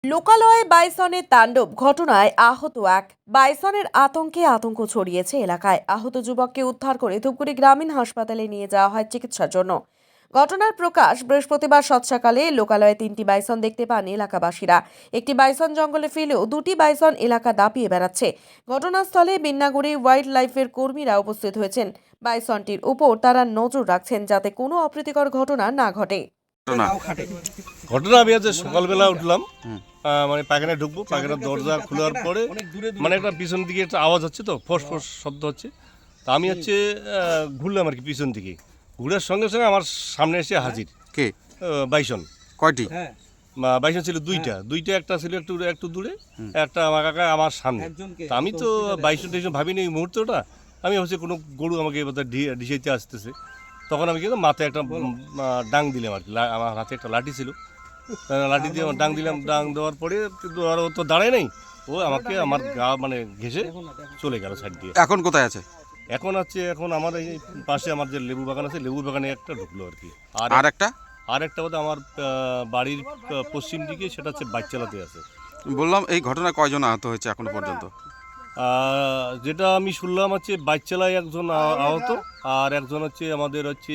লোকালয়ে বাইসনের তাণ্ডব ঘটনায় আহত এক। বাইসনের আতঙ্কে আতঙ্ক ছড়িয়েছে এলাকায়। আহত যুবককে উদ্ধার করে ধূপগুড়ি গ্রামীণ হাসপাতালে নিয়ে যাওয়া হয় চিকিৎসার জন্য। ঘটনার প্রকাশ বৃহস্পতিবার সৎসকালে লোকালয়ে 3টি বাইসন দেখতে পান এলাকাবাসীরা। একটি বাইসন জঙ্গলে ফেলেও 2টি বাইসন এলাকা দাপিয়ে বেড়াচ্ছে। ঘটনাস্থলে বিন্নাগুড়ি ওয়াইল্ড লাইফের কর্মীরা উপস্থিত হয়েছেন। বাইসনটির উপর তারা নজর রাখছেন যাতে কোনো অপ্রীতিকর ঘটনা না ঘটে। ঘটনা আমি আজ সকালবেলা উঠলাম, মানে পায়খানায় ঢুকবো, পায়খানার দরজা খোলার পরে মানে একটা পিছন দিকে একটা আওয়াজ হচ্ছে, তো ফোস ফোস শব্দ হচ্ছে। তা আমি হচ্ছে ঘুরলাম আর কি, পিছন দিকে ঘুরার সঙ্গে সঙ্গে আমার সামনে এসে হাজির কে বাইসন। কয়টি? বাইসন ছিল দুইটা, একটা ছিল একটু দূরে, একটা আমার কাকা আমার সামনে। তা আমি তো বাইসন টাইসন ভাবিনি এই মুহূর্তটা, আমি হচ্ছে কোনো গরু আমাকে ডিসাইতে আসতেছে। তখন আমি কিন্তু মাথায় একটা ডাং দিলাম আর কি, আমার হাতে একটা লাঠি ছিল, লাঠি দিয়ে ডাং দিলাম। ডাং দেওয়ার পরে কিন্তু আর ও তো দাঁড়ায় নাই, ও আমাকে আমার গা মানে ঘেঁষে চলে গেল সাইড দিয়ে। এখন কোথায় আছে? এখন আমার এই পাশে আমার যে লেবু বাগান আছে, লেবু বাগানে একটা ঢুকলো আর কি। আর একটা বোধ আমার বাড়ির পশ্চিম দিকে, সেটা হচ্ছে বাইকচালাতে আছে। বললাম এই ঘটনায় কয়জন আহত হয়েছে এখনো পর্যন্ত? যেটা আমি শুনলাম হচ্ছে বাইক চালায় একজন আহত, আর একজন হচ্ছে আমাদের হচ্ছে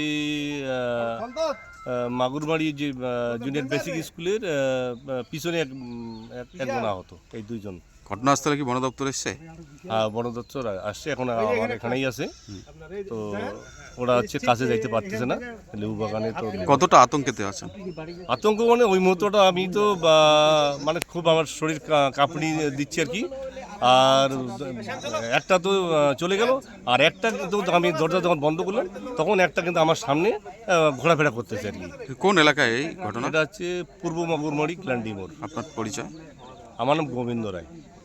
মাগুরবাড়ি যে জুনিয়র বেসিক স্কুলের পিছনে একজন আহত। এই দুইজন। ঘটনাস্থলে কি বন দপ্তর এসছে? বন দপ্তর আসছে, এখন আমার এখানেই আছে। তো ওরা হচ্ছে কাছে যাইতে পারতেছে না লেবু বাগানে। তো কতটা আতঙ্কেতে আছেন? আতঙ্ক মানে ওই মুহূর্তটা আমি তো মানে খুব আমার শরীর কাঁপুনি দিচ্ছে আর কি। আর একটা তো চলে গেল, আর একটা কিন্তু আমি দরজা যখন বন্ধ করলাম তখন একটা কিন্তু আমার সামনে ঘোরাফেরা করতেছে আর কি। কোন এলাকায় এই ঘটনা? এটা হচ্ছে পূর্ব মাগুরমারি ক্লান্ডি মোড়। আপনার পরিচয়? আমার নাম গোবিন্দ রায়।